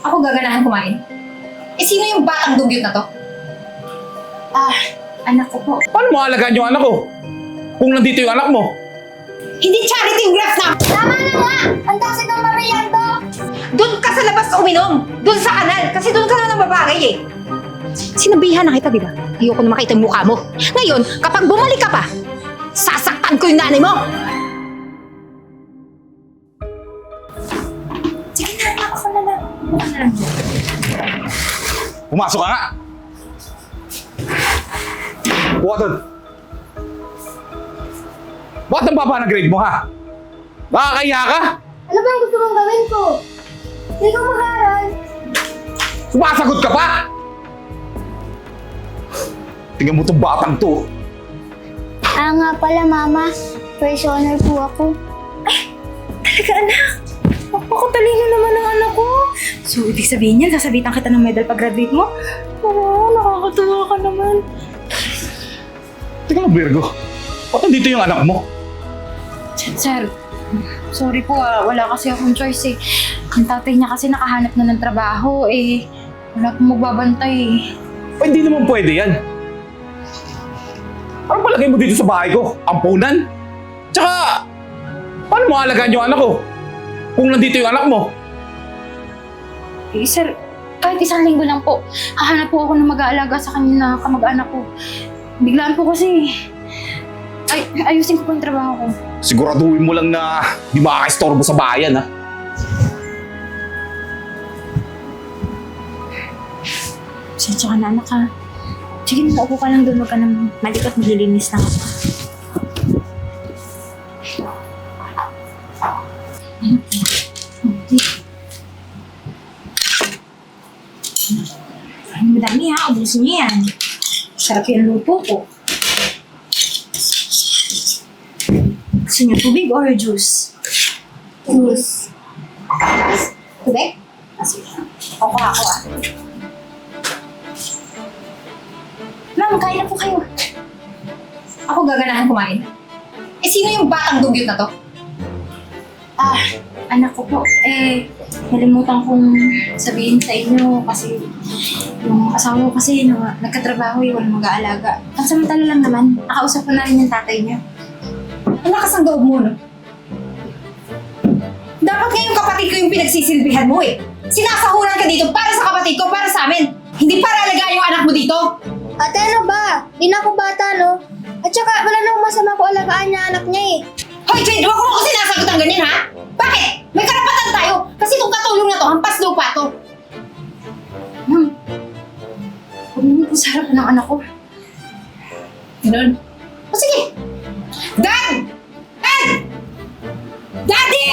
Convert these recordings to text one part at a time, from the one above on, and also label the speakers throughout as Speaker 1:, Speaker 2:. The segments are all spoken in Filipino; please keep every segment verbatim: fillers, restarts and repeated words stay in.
Speaker 1: Ako gaganahan kumain. Eh, sino yung batang dugyot na to?
Speaker 2: Ah, anak ko po.
Speaker 3: Paano mo alagaan yung anak ko? Kung nandito yung anak mo?
Speaker 1: Hindi charity yung graph na!
Speaker 2: Tama na nga! Ang tasig ng Mariando!
Speaker 1: Doon ka sa labas uminom! Doon sa kanal! Kasi doon ka na nababagay eh! Sinabihan na kita, di ba? Ayoko na makita yung mukha mo. Ngayon, kapag bumalik ka pa, sasaktan ko yung nanay mo!
Speaker 2: Sige na, anak, ako na lang. Ako na lang.
Speaker 3: Pumasok ka nga! Buka doon! Bakit ang baba ng grade mo, ha? Nakakahiya ka?
Speaker 2: Ano ba ang gusto mong gawin ko? Hindi ko mag-aaral.
Speaker 3: Sumasagot ka pa? Tingnan mo itong batang to.
Speaker 2: Ah nga pala, Mama. First honor po ako.
Speaker 4: Talaga, anak. Napakatalino naman ng anak ko. So, ibig sabihin yan, sasabitan kita ng medal pag-graduate mo? Oo, nakakatuwa ka naman.
Speaker 3: Teka lang, Virgo. Ba't nandito yung anak mo?
Speaker 4: Sir, sorry po ah. Wala kasi akong choice eh. Ang tatay niya kasi nakahanap na ng trabaho eh. Wala pong magbabantay eh.
Speaker 3: Ay, hindi naman pwede yan. Ano palagay mo dito sa bahay ko? Ampunan? Tsaka, paano mo alagaan yung anak ko? Kung nandito yung anak mo?
Speaker 4: Eh, sir, kahit isang linggo lang po, hahanap po ako ng mag-aalaga sa kanya na kamag-anak ko. Biglaan po kasi, ay, ayusin ko po yung trabaho ko.
Speaker 3: Siguraduhin mo lang na di makakaistorbo sa bayan, ha?
Speaker 4: Sensya ka na, anak ha. Sige, naupo ka lang doon. Huwag ka nang malikot, maglilinis lang ako. Ay, madami ha. Ubusin niyo yan. Sarap yung luto ko. Gusto niyo tubig or juice?
Speaker 2: Juice.
Speaker 4: Tubig? Ah, sige. Ako ako ah. Ma'am, kain na po kayo.
Speaker 1: Ako gaganahan kumain. Eh, sino yung batang dugyot na to?
Speaker 4: Ah, anak ko po, eh, nalimutan kong sabihin sa inyo kasi yung asawa ko kasi na, nagkatrabaho eh, walang mag-aalaga. Ang samantala lang naman, nakausap ko na rin yung tatay niya.
Speaker 1: Ang lakas ng loob mo, no? Dapat nga yung kapatid ko yung pinagsisilbihan mo eh. Sinasahuran ka dito para sa kapatid ko, para sa amin. Hindi para alagaan yung anak mo dito.
Speaker 2: Ate, ano ba? Di na ako bata, no? At saka, wala namang masama ko alagaan niya anak niya eh.
Speaker 1: Hoy, Jade! Huwag mo ako sinasagot ng ganyan, ha? Bakit? May karapatan tayo. Kasi itong katulong na to, hampas lupa to.
Speaker 4: Ma'am, huwag mo po sa harapan ng anak ko.
Speaker 1: Ganun? O sige. Dad! Dad! Daddy!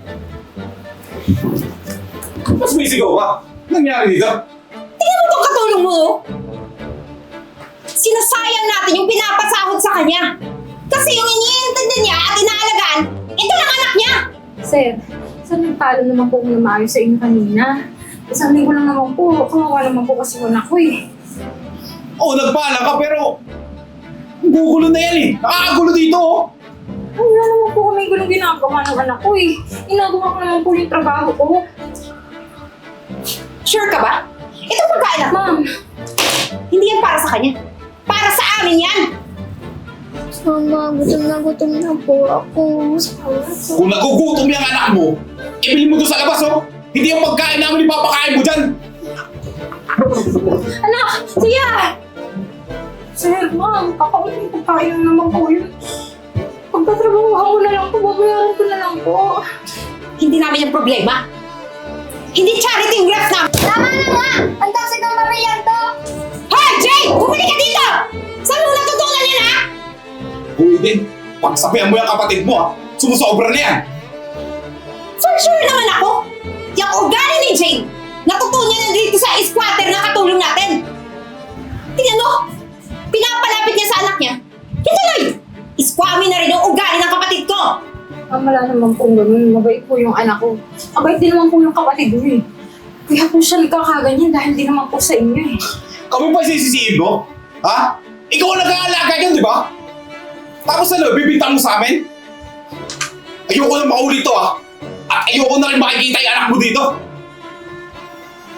Speaker 3: Mas may sigaw ka? Nangyari dito?
Speaker 1: Tingnan mo itong katulong mo, oh. Sinasayang natin yung pinapasahod sa kanya. Kasi yung iniintindi niya at inaalagaan, ito lang anak niya.
Speaker 4: Sir, saan nagpalo naman po kung maayos sa inyo kanina? Isang linggo lang naman po, kawawa naman po kasi yung anak ko eh.
Speaker 3: Oo, nagpaalam ka pero... Gugulo na yan eh. Nakakagulo dito, oh.
Speaker 4: Ay, wala naman po kami gulong ginagawa ng anak ko eh. Ginagawa ko naman po yung trabaho ko.
Speaker 1: Sure ka ba? Ito pagkain na.
Speaker 4: Ma'am,
Speaker 1: Hindi yan para sa kanya. Para sa amin yan.
Speaker 2: Mama, gutom na gutom na po ako.
Speaker 3: Kung nagugutom yung anak mo, ibili mo doon sa labas, oh. Hindi yung pagkain namin ipapakain mo dyan.
Speaker 4: anak! Siya! Sir, ma'am, kakaunin ko tayo naman po yun. Pagtatrabaho ako na lang po, babayaran ko na lang po.
Speaker 1: Hindi namin yung problema. Hindi charity yung graph namin.
Speaker 2: Tama na nga! Ang tasig ng Mariando!
Speaker 1: Hoy, Jay! Bumalik ka dito! Saan mo natutunan yan, ha?
Speaker 3: Uy din, pagsabihan mo yung kapatid mo, ha. Sumusobra na yan.
Speaker 1: For sure naman ako. Yung ugali ni Jane, natutunan niya dito sa squatter na katulong natin. Tingnan mo, pinapalapit niya sa anak niya. Yung tuloy, iskwami na rin yung ugali ng kapatid ko.
Speaker 4: Ah, wala naman po ganun. Mabait po yung anak ko. Mabait din naman po yung kapatid ko eh. Kaya po siya nagkakaganyan dahil di naman po sa inyo eh.
Speaker 3: Kami pa sisisihin mo? Ha? Ikaw ang nag-aalaga yun, di ba? Tapos ano, bibintang mo sa amin? Ayoko na maulit to, ha? At ayoko na rin makikita yung anak mo dito.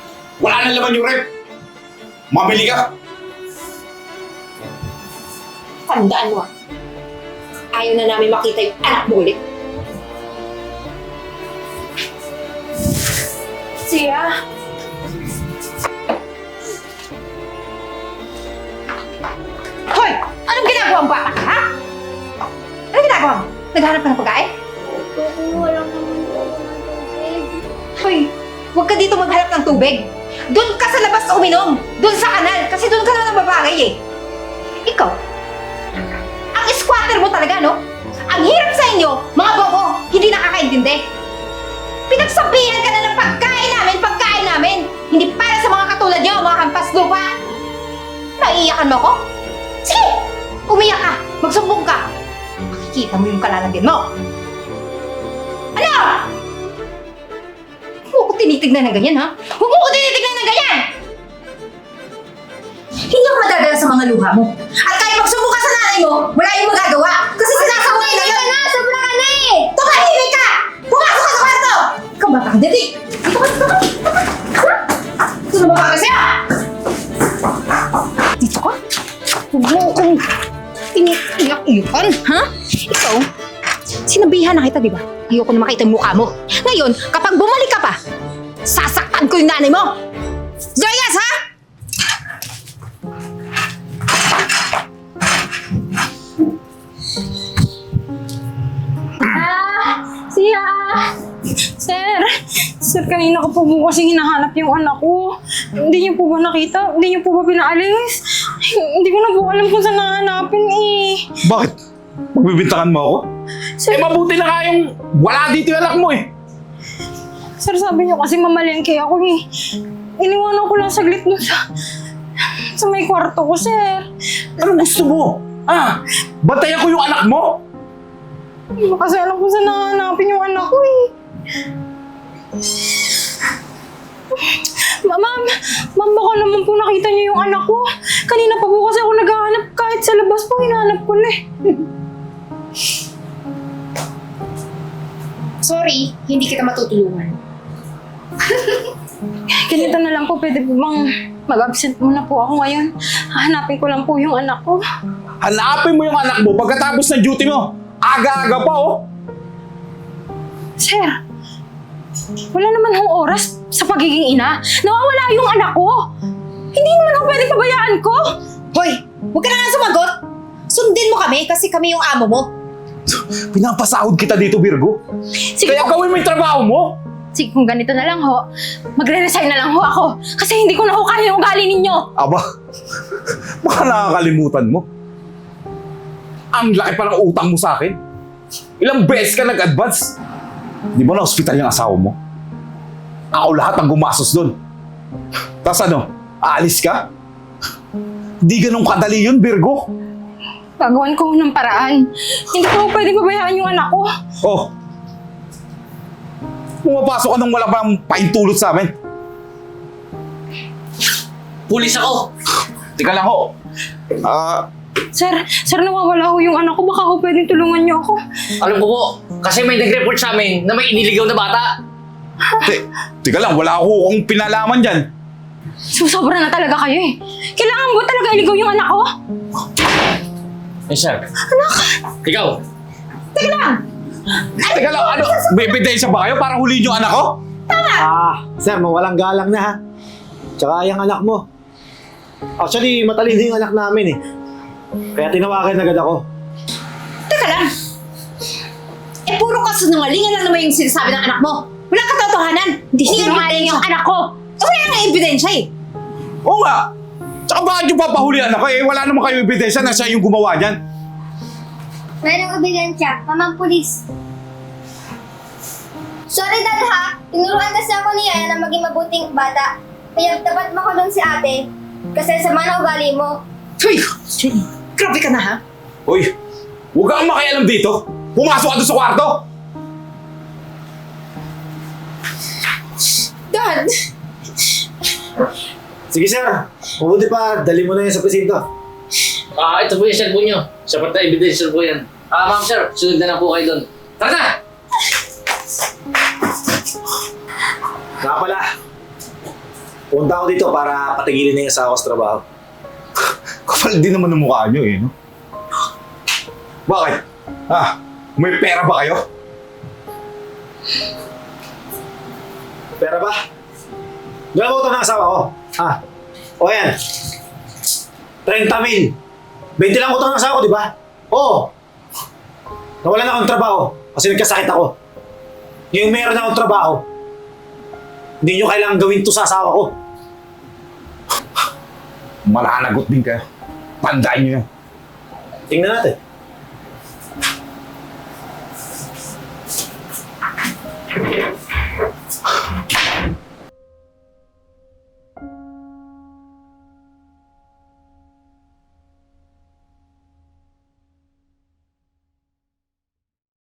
Speaker 3: Wala na laman yung rep. Mamili ka.
Speaker 1: Tandaan mo ah. Ayaw na namin makita yung anak mo ulit.
Speaker 4: Siya?
Speaker 1: Hoy! Anong ginagawa mo bata ka, ha? Anong ginagawa mo? Naghanap ka ng pagkain?
Speaker 2: Kukuha lang naman po ako ng tubig.
Speaker 1: Hoy! Huwag ka dito maghanap ng tubig. Doon ka sa labas uminom. Doon sa kanal. Kasi doon ka na nababagay eh. Ikaw, ang squatter mo talaga, no? Ang hirap sa inyo, mga bobo, hindi nakakaintindi. Pinagsabihan ka na ng pagkain namin, pagkain namin. Hindi para sa mga katulad nyo, mga hampas lupa. Naiiyakan mo ko? Sige! Umiyak ka! Magsumbong ka! Makikita mo yung kalalagyan mo! Ano? Huwag ko tinitignan na ganyan, ha? Huwag mo ko tinitignan na ganyan! Hindi ako madadala sa mga luha mo. At kahit magsumbong ka sa nanay mo, wala yung magagawa. Kasi sinasaway na yun!
Speaker 2: Na, sobra ka na eh!
Speaker 1: Tumahimik ka! Pumasok ka sa kwarto! Ikaw ba kang dali? Dito ka, dito ka! Sino ba ka kasi, ha? Dito ka? Huwag mo akong tiniyak-iyakan, ha? Ikaw, sinabihan na kita, di ba? Ayoko na makita yung mukha mo. Ngayon, kapag bumalik ka pa, sasaktan ko yung nanay mo! Joyas, ha?
Speaker 4: Ah! Siya! Sir! Sir, kanina ko po po kasi hinahanap yung anak ko. Hindi niyo po ba nakita? Hindi niyo po ba pinaalis? Hindi ko na po alam kung saan nahanapin eh.
Speaker 3: Bakit? Magbibintangan mo ako?
Speaker 4: Sir,
Speaker 3: Eh mabuti na kayong wala dito yung anak mo eh.
Speaker 4: sir sabi niyo kasi mamalengke ako eh. Iniwanan ko lang saglit nun sa, sa may kwarto ko, sir.
Speaker 3: Anong gusto mo? Ah, bantayan ko yung anak mo?
Speaker 4: Hindi ko kasi alam kung saan nahanapin yung anak ko eh. Ma- Ma'am, ma'am, baka naman po nakita niyo yung anak ko. Kanina pa po kasi ako naghahanap kahit sa labas po, hinahanap ko na eh.
Speaker 1: Sorry, hindi kita matutulungan.
Speaker 4: Ganito na lang po, pwede po bang mag-absent muna po ako ngayon? Hanapin ko lang po yung anak ko.
Speaker 3: Hanapin mo yung anak mo pagkatapos ng duty mo. Aga-aga pa oh.
Speaker 4: Sir, wala naman hong oras sa pagiging ina. Nawawala yung anak ko. Hindi naman ako pwede pabayaan ko.
Speaker 1: Hoy, huwag ka na nga sumagot! Sundin mo kami kasi kami yung amo mo.
Speaker 3: Pinapasahod kita dito, Virgo.
Speaker 4: Sige,
Speaker 3: Kaya
Speaker 4: kung,
Speaker 3: gawin mo yung trabaho mo.
Speaker 4: sige, kung ganito na lang ho, magre-resign na lang ho ako. Kasi hindi ko na ho kaya yung ugali ninyo.
Speaker 3: Aba, baka nakakalimutan mo. Ang laki pa ng utang mo sa akin. Ilang beses ka nag-advance. Di ba na-hospital yung asawa mo? Ako lahat ang gumastos doon. Tapos ano, aalis ka? Di ganun kadali yun, Virgo.
Speaker 4: Gagawan ko ho ng paraan. Hindi ko ho pwede pabayaan yung anak ko.
Speaker 3: Oh, pumapasok ka nang wala pang paintulot sa amin.
Speaker 5: Pulis ako!
Speaker 3: Tika lang ho. Ah,
Speaker 4: Sir, sir, nawawala ho yung anak ko. Baka ho pwedeng tulungan niyo ako.
Speaker 5: Alam ko po, kasi may nag-report sa amin na may iniligaw na bata.
Speaker 3: te, tika lang, wala ako akong pinalaman dyan.
Speaker 4: Susobra na talaga kayo eh. Kailangan mo talaga iligaw yung anak ko?
Speaker 5: Eh, sir. Anak! Ikaw!
Speaker 3: Teka lang, ano, may ebidensya ba kayo para huliin yung anak ko?
Speaker 6: Ah, sir, mawalang galang na ha. Tsaka yung anak mo. Actually, matalino yung anak namin eh. Kaya tinawagan agad ako.
Speaker 1: Teka lang. Eh, puro kasinungalingan lang naman yung sinasabi ng anak mo. Walang katotohanan. Hindi
Speaker 4: Sinungaling yung anak ko.
Speaker 1: Eh, wala nga ebidensya eh.
Speaker 3: Oo nga. Tsaka bakit yung papahulihan ako eh? Wala naman kayong ebidensya na siya yung gumawa niyan.
Speaker 2: Merong ebidensya, mamang pulis. Sorry, Dad, ha? Tinuruan kasi ako ni Yaya na maging mabuting bata. Kaya dapat makulong si ate. Kasi sama na ugali mo.
Speaker 1: Hoy! Grabe ka na, ha?
Speaker 3: Uy, huwag kang makialam dito. Pumasok ka doon sa kwarto.
Speaker 1: Dad!
Speaker 6: Sige, sir. Mabuti pa, dali mo na yan sa presinto.
Speaker 5: Ah, ito po yung cellphone nyo. Sapat na evidence po yan. Ah, ma'am sir, sunod na lang po kayo doon. Tara na!
Speaker 6: Nga pala, Punta ako dito para patigilin na yung asawa ko sa trabaho.
Speaker 3: Kapal din naman ng mukha nyo eh, no? Bakit? Ha? May pera ba kayo?
Speaker 6: Pera ba? Diyan ako utang ng asawa ko. Ha? O yan. thirty mil. twenty lang utang ng asawa ko, di ba? Oo. Nawalan akong trabaho kasi nagkasakit ako. Ngayon meron akong trabaho. Hindi nyo kailangang gawin to sa asawa ko.
Speaker 3: Malanagot din kayo. Tandaan nyo yan.
Speaker 6: Tingnan natin.